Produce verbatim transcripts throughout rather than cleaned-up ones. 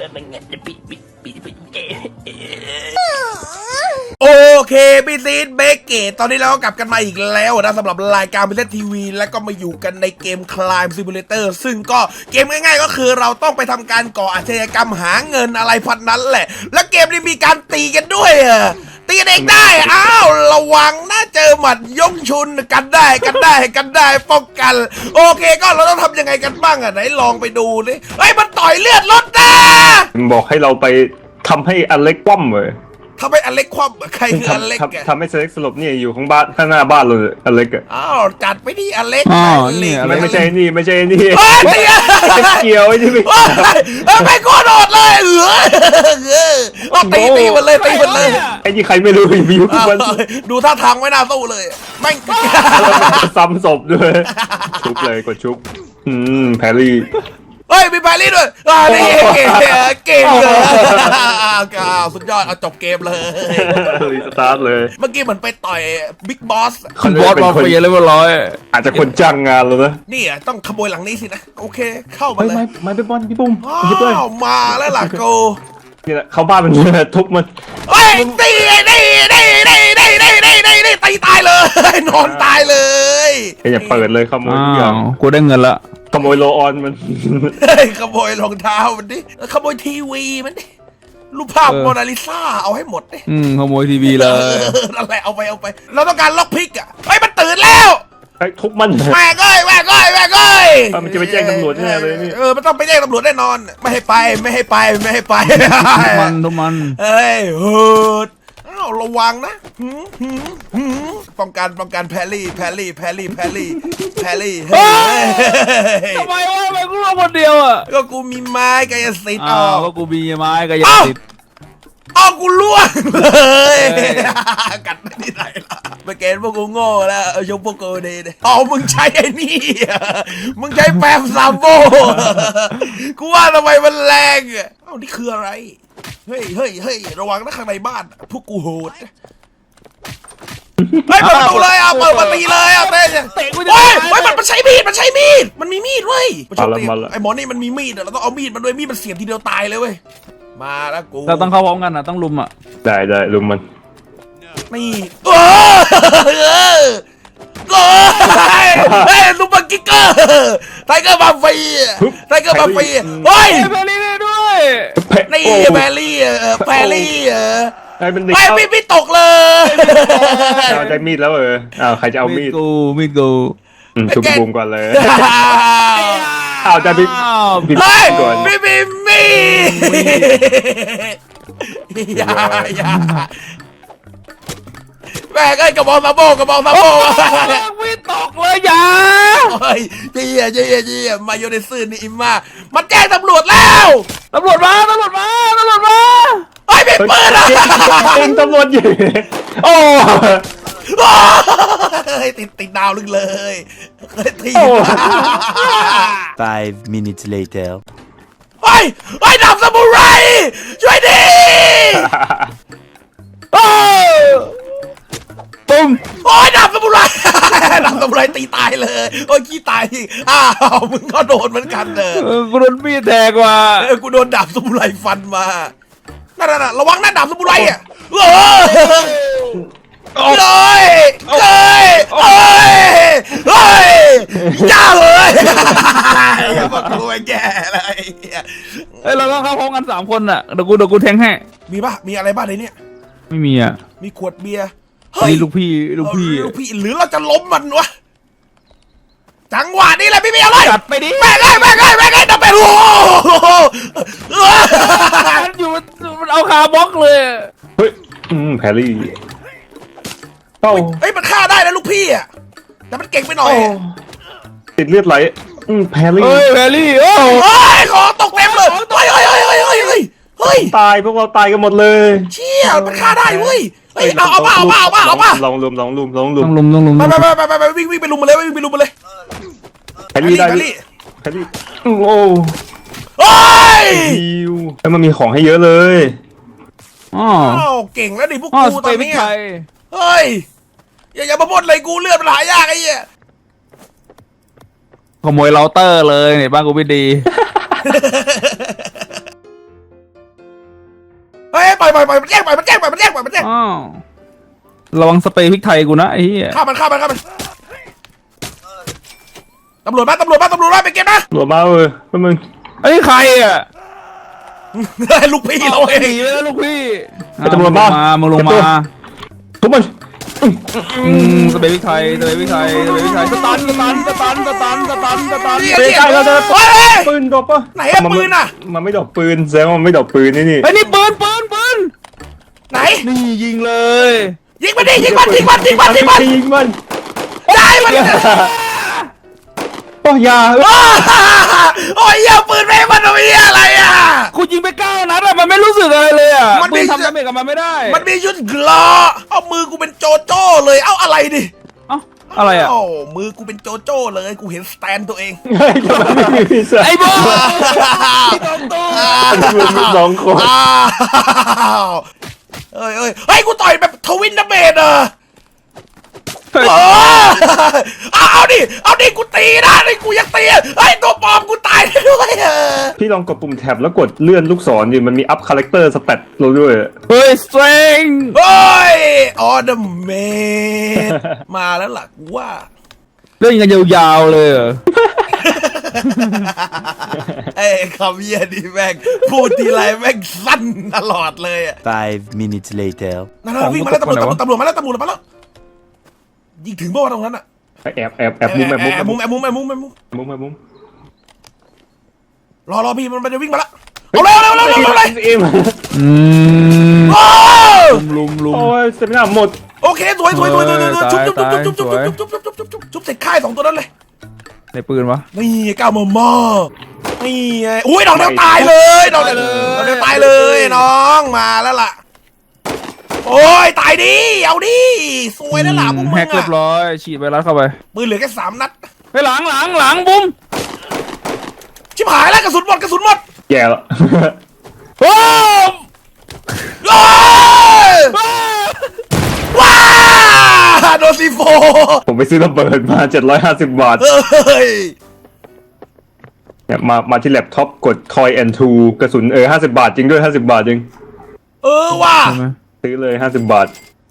โอเคพี่ซีดเบเกตตอนนี้เราก็กลับกันมาอีกแล้วนะสำหรับรายการพิเศษทีวีแล้วก็มาอยู่กันในเกม Crime Simulator ซึ่งก็เกมง่ายๆก็คือเราต้องไปทำการก่ออาชญากรรมหาเงินอะไรพันนั้นแหละแล้วเกมนี้มีการตีกันด้วยอะตีกันเองได้อ้าวระวังนะเจอหมัดยกชุนกันได้กันได้กันได้ป้องกันโอเคก็เราต้องทำยังไงกันบ้างอ่ะไหนลองไปดูดิเฮ้ยมันต่อยเลือดรถนะบอกให้เราไปทำให้อเล็กคว่ำเลยทำให้อเล็กคว่ำใครคืออเล็กอะทำให้อเล็กสลบเนี่ยอยู่ข้างบ้านข้างหน้าบ้านเลยอเล็กอะอ้าวจัดไปที่อเล็กนี่ไม่ไม่ใช่นี่ไม่ใช่นี่เฮ้ยเกี่ยวไอ้ที่ไม่ไม่โคตรโดดเลยเออเออตีตีมันเลยตีมันเลยไอ้ที่ใครไม่รู้วิวมันดูท่าทางไม่น่าสู้เลยแม่งซ้ำศพด้วยชุบเลยกดชุบอืมแพรรี่เฮ้ยมีแพรรี่ด้วยอ่านี่เกมเกมเลยอ้าวสุดยอดเอาจบเกมเลยรีสตาร์ทเลยเมื่อกี้เหมือนไปต่อยบิ๊กบอสคุณบอสมาเฟียเลยว่าร้อยอาจจะคนจ้างงานแล้วนะนี่อ่ะต้องขโมยหลังนี้สินะโอเคเข้ามาเลยไม่ไม่เป็นบอลพี่ปุ้มอ้าวมาแล้วล่ะโกนี่แหละเข้าบ้านมันทุบมันเฮ้ยตีนี่นี่นี่นี่นี่นี่นี่นี่ตีตายเลยนอนตายเลยอย่าเปิดเลยขโมยทุกอย่างกูได้เงินละขโมยโลออนมันขโมยรองเท้ามันดิขโมยทีวีมันดิรูปภาพโมนาลิซาเอาให้หมดดิอืมขโมยทีวีเลยนั่นแหละเอาไปเอาไปเราต้องการล็อกพิกอ่ะเฮ้ยมันตื่นแล้วไอ้ทุบมันแม่ก้อยแม่ก้อยแม่ก้อยมันจะไปแจ้งตำรวจแน่เลยนี่เออมันต้องไปแจ้งตำรวจแน่นอนไม่ให้ไปไม่ให้ไปไม่ให้ไปทุกมันทุกมันเฮ้ยเฮิร์ดอ้าวระวังนะป้องกันป้องกันแพรรี่แพรรี่แพรรี่แพรรี่แพรรี่ทำไมวะทำไมกูรอคนเดียวอ่ะก็กูมีไม้กายสิทธิ์อ๋อก็กูมีไม้กายสิทธิ์อ้าวกูล่วงเลยกัดไม่ได้ไหนล่ะไปเกณฑ์พวกกูโง่แล้วชมพวกกูดีเลยอ๋อมึงใช้ไอ้นี่มึงใช้แปมซามโบกูว่าทำไมมันแรงอ่ะอ้าวนี่คืออะไรเฮ้ยเฮ้ยเฮ้ยระวังนะข้างในบ้านพวกกูโหดเฮ้ยเปิดประตูเลยอ่ะเปิดประตูเลยอ่ะเต้เนี่ยเฮ้ยเฮ้ยมันมันใช้มีดมันใช้มีดมันมีมีดเว้ยไอ้หมอนี่มันมีมีดเราต้องเอามีดมันด้วยมีดมันเสียบทีเดียวตายเลยเว้ยมาแล้วกูเราต้องเข้าพร้อมกันนะต้องลุมอ่ะได้ได้ลุมมันนี่เออเออเฮ้ยลุมบังกิกเกอร์ไทเกอร์มาฟีไทเกอร์มาฟีเฮ้ยแพรรี่ด้วยนี่แพรรี่แพรรี่เออไอ้เป็นไอ้พี่ตกเลยเอาได้มีดแล้วเอออ้าวใครจะเอามีดกูมีดกูชุบบูมก่อนเลยอ้าวจะบิบิก่อนบิบิมีอย่าอย่าแม่ก็กระบอกซาโบกระบอกซาโบมีตกเลยอย่าเฮ้ยเจี๊ยเจี๊ยเจี๊ยมาโยนในซื่อนี่อิมมามันแจ้งตำรวจแล้วตำรวจมาตำรวจมาตำรวจมาไอ้เป็นปืนอะเองตำรวจอยู่โอ้ติดติดดาวลึกเลยที Five minutes later ไอ้ไอ้ดาบซามูไรช่วยดิปุ้มโอ้ยดาบซามูไรดาบซามูไรตีตายเลยโอ้ยขี้ตายอ้าวมึงก็โดนเหมือนกันเด้อกูโดนมีดแทงว่ะกูโดนดาบซามูไรฟันมานั่นน่ะระวังนะดาบซามูไรอ่ะเออเลยเลยเฮ้ยเฮ้ยจ้าเลยอย่ามาคุยแก่เลยเฮ้ยเราต้องเข้าพร้อมกันสามคนอ่ะเดี๋ยวกูเดี๋ยวกูแทงให้มีป่ะมีอะไรบ้างในนี้ไม่มีอ่ะมีขวดเบียร์นี่ลูกพี่ลูกพี่ลูกพี่หรือเราจะล้มมันวะจังหวะนี้แหละพี่เบียร์เลยจัดไปดิแม่ไงแม่ไงแม่ไงจะไปโอ้อยู่มันเอาคาบล็อกเลยเฮ้ยอืมแพรรี่เฮ้ยมันฆ่าได้นะลูกพี่อ่ะแต่มันเก่งไปหน่อยติดเลือดไหลอืมแพรรี่เฮ้ยแพรรี่โอ้ยขอตกเต็มเลยเฮ้ยเฮ้ยเฮ้ยเฮ้ยเฮ้ยเฮ้ยเฮ้ยตายพวกเราตายกันหมดเลยเชี่ยมันฆ่าได้เว้ยเฮ้ยเอาเอาป่ะเอาป่ะเอาป่ะเอาป่ะลองลุมลองลุมลองลุมต้องลุมต้องลุมไปไปไปไปไปวิ่งวิ่งไปลุมมาเลยวิ่งไปลุมมาเลยแพรรี่ได้แพรรี่โอ้โอ้ยแล้วมันมีของให้เยอะเลยอ๋อเก่งแล้วดิพวกกูตอนนี้เฮ้ยอย่าอย่ามาบ่นเลยกูเลือดมันหายากไอ้เหี้ยขโมยเราเตอร์เลยเนี่ยบ้านกูไม่ดีเฮ้ยปล่อยปล่อยปล่อยมันแย่งปล่อยมันแย่งปล่อยมันแย่งปล่อยมันแย่งอ้าวระวังสเปรย์พริกไทยกูนะไอ้เหี้ยฆ่ามันฆ่ามันฆ่ามันตำรวจมาตำรวจมาตำรวจมาไปเก็บนะหลวมาเว้ยพวกมึงไอ้ยใครอ่ะลูกพี่เราเองหนีไปแล้วลูกพี่ไอ้ตำรวจมามึงลงมาทุกมันอืมสเปรย์พริกไทยสเปรย์พริกไทยสเปรย์พริกไทยสตันสตันสตันสตันสตันสตันเหี้ยไปเหี้ยใกล้เราจะเฮ้ยปืนดรอปปะไหนอะมัปืนอะมันไม่ดรอปปืนแสดงว่ามันไม่ดรอปปืนนี่นี่ไอ้ยนี่ปืนปืนปืนไหนนี่ยิงเลยยิงมันดิยิงมันยิงมันยิงมันยิงมันยิงมันได้มันโอ้ยาอ้าโอ้ยเหี้ยปืนไม่ให้มันเอาเหี้ยอะไรอ่ะกูยิงไปเก้านัดอะมันไม่รู้สึกอะไรเลยอะมันไม่ปืนทำดาเมจกับมันไม่ได้มันมีชุดกลอเอามือกูเป็นโจโจ้เลยเอาอะไรดิเอ้าอะไรอะเอ้ามือกูเป็นโจโจ้เลยกูเห็นสแตนตัวเองเฮ้ยทำไมไม่มีพิซซ่าไอ้โบ้ปืนมีสองคนอ้าวเอ้ยเอ้ยเฮ้ยกูต่อยแบบทวินดาเมจเหรอเออเอาเอาดิ เอาดิ กูตีนะนี่กูยังตีเฮ้ย ตัวปลอมกูตายได้ด้วยเออพี่ลองกดปุ่มแท็บแล้วกดเลื่อนลูกศรดิมันมีอัพคาแรคเตอร์สเตตเราด้วยเฮ้ยสเตรงเฮ้ย ออเดอร์เมดมาแล้วล่ะกูว่าเล่นกันยาวๆเลยเหรอเอ้ยคำเยี่ยดีแม่งพูดทีไรแม่งสั้นตลอดเลยอ่ะ Five minutes later. นั่นๆวิ่งมาแล้วตำรวจตำรวจมาแล้วตำรวจมาแล้วยิงถึงเมื่อวันตรงนั้นอ่ะแอบแอบแอบมุมแอบมุมแอบมุมแอบมุมแอบมุมแอบมุมมุมแอบมุมรอรอพี่มันจะวิ่งมาแล้วเอาเร็วเร็วเร็วเร็วเร็วเลยเอ็มอืมโอ้ลุมลุมโอ้ยเซมินาหมดโอเคสวยสวยสวยสวยสวยชุบชุบตายชุบชุบสวยชุบชุบชุบชุบชุบชุบชุบเสร็จค่ายสองตัวนั้นเลยในปืนวะนี่ก้าวมอมอนี่ไงอุ้ยดอกเดียวตายเลยดอกเดียวดอกเดียวตายเลยน้องมาแล้วล่ะโอ้ยตายดิเอาดิสวยแล้วล่ะพวกมึแฮงกเรียอะบร้อยฉีดไวรัสเข้าไปปืนเหลือแค่สามนัดไปหลังหลังหลังบุ้มชิบหายแล้วกระสุนหมดกระสุนหมดแย่แล้วโอ้โอ้ยว้าโดนซีโฟผมไปซื้อระเบิดมาเจ็ดร้อยห้าสิบบาทเฮ้ยเนี่ยมามาที่แล็ปท็อปกดคอยแอนทูกระสุนเออห้าสิบบาทจริงด้วยห้าสิบบาทจริงเออว่ะใช่ไหมซื้อเลยห้าสิบบาท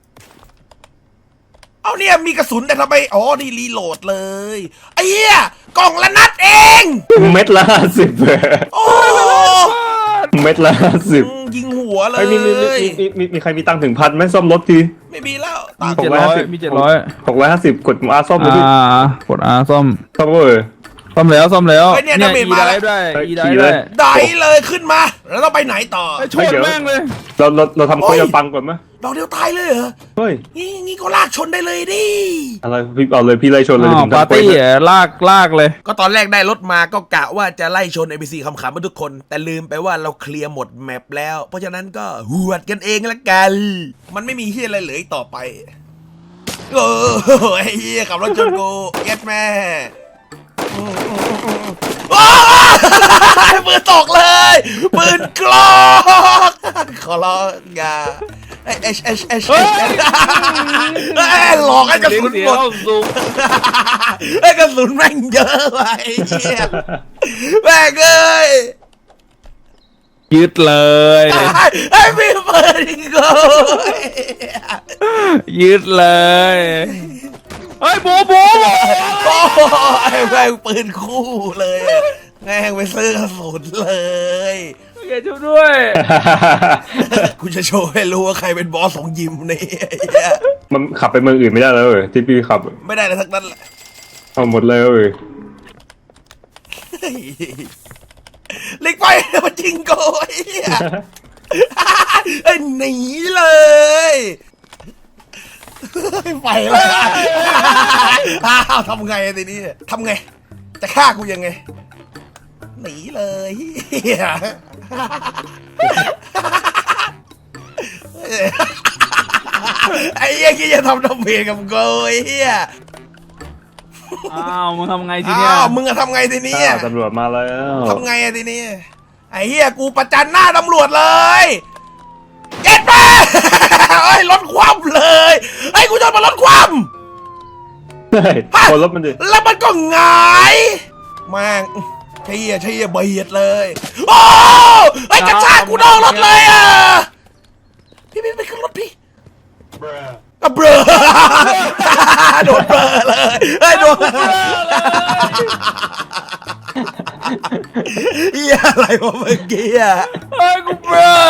เอาเนี่ยมีกระสุนแต่ทำไมอ๋อนี่รีโหลดเลยไอ้เหี้ยกล่องละนัดเองเม็ดละห้าสิบโอ้เม็ดละห้าสิบอืมยิงหัวเลไอ้ยยมีมีมีมีมีมีใครมีตังค์ถึงพันไหมซ่อมรถทีไม่มีแล้วมีตังค์เจ็ดร้อยมีเจ็ดร้อยหกร้อยห้าสิบกดมาซ่อมเลยอ่าพี่กดอาซ่อมซ่อมเวอร์ซ่อมแล้วซ่อมแล้วไอ้เนี่ยดาเมจอีมาได้แล้วได้เฮ้ยอีได้ขี่เลได้ยได้เลยขึ้นมา แล้วเราไปไหนต่อไอ้ชนแม่งเลยเราเราเราทำโอ้โคยยตังค์ก่อนไหมดอกเดียวตายเลยเหรอเฮ้ยงี้งี้ก็ลากชนได้เลยดิอะไรพี่เอาเลยพี่ไล่ชนเลยอ้าวผมปาทำร์โคยตี้อ่ะลากลากเลยก็ตอนแรกได้รถมาก็กะว่าจะไล่ชน เอ บี ซี ขำๆมาทุกคน แต่ลืมไปว่าเราเคลียร์หมดแมปแล้ว เพราะฉะนั้นก็หวดกันเองละกัน มันไม่มีเฮียอะไรเหลืออีกต่อไปเออไอ้เฮียขับรถชนกูเก็ตแม่อืมอืมอืมอืมโอ้ยปืนตกเลยปืนกลอกขอร้องอย่าเอชเอชเอชเอชหลอกให้กระสุนเสียหมดเข้าซูมไอ้กระสุนแม่งเยอะไปเหี้ยแม่งเอ้ยยึดเลยไอ้พี่เปิดอีกกูยึดเลยเฮ้ยบูบูโอ้ยแม่งปืนคู่เลยอะแม่งไปซื้อกระสุนเลยเกช่วยด้วยกูจะโชว์ให้รู้ว่าใครเป็นบอสของยิมนี่ไอ้เหี้ยมันขับไปเมืองอื่นไม่ได้แล้วเว้ยที่พี่ขับไม่ได้เลยทั้งนั้นแหละเอาหมดเลยเว้ยเล็กไปมันจริงโกยไอ้หนีเลย ไปเลยอ้าวทำไงทีนี้ทำไง จะฆ่ากูยังไง หนีเลยเหี้ยไอ้เหี้ยคิดจะทำน้ำเพลงกับกูไอ้เหี้ยอ้าวมึงทำไงทีเนี้ยอ้าวมึงอะทำไงทีนี้อ้าวตำรวจมาแล้วทำไงอะทีนี้ไอ้เหี้ยกูประจันหน้าตำรวจเลยเก็ตมาไอ้ยรถคว่ำเลยไอ้ยกูจะมารถคว่ำใช่คนรถมันดิแล้วมันก็หงายแม่งเชี่ยเชี่ยเบียดเลย โอ้ไอ้กระชากกูนอกรถเลยอ่ะอ่ะเบลอ โดนเบลอเลยเฮ้ยโดนเฮียอะไรวะเมื่อกี้อ่ะเฮ้ยกูเบลอ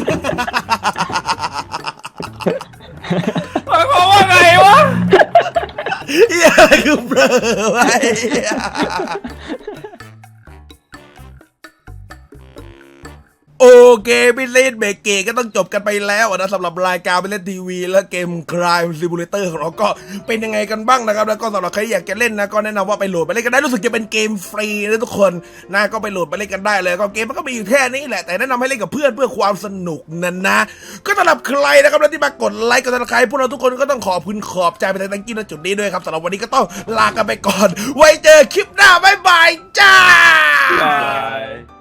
หมายความว่าไงวะเฮียอะไรคือเบลอไว้โอเคพี่เล่นเบรกเกก็ต้องจบกันไปแล้วนะสำหรับรายการพี่เล่นทีวีและเกม Crime Simulator ของเราก็เป็นยังไงกันบ้างนะครับแล้วก็สำหรับใครอยากจะเล่นนะก็แนะนำว่าไปโหลดไปเล่นกันได้รู้สึกจะเป็นเกมฟรีนะทุกคนนะก็ไปโหลดไปเล่นกันได้เลยก็เกมมันก็มีอยู่แค่นี้แหละแต่แนะนำให้เล่นกับเพื่อนเพื่อความสนุกนั่นนะก็สำหรับใครนะครับที่มากดไลค์กดติดตามพวกเราทุกคนก็ต้องขอบคุณขอบใจไปทางตั้งกี้ณจุดนี้ด้วยครับสำหรับวันนี้ก็ต้องลากันไปก่อนไว้เจอคลิปหน้าบ๊ายบายจ้าบาย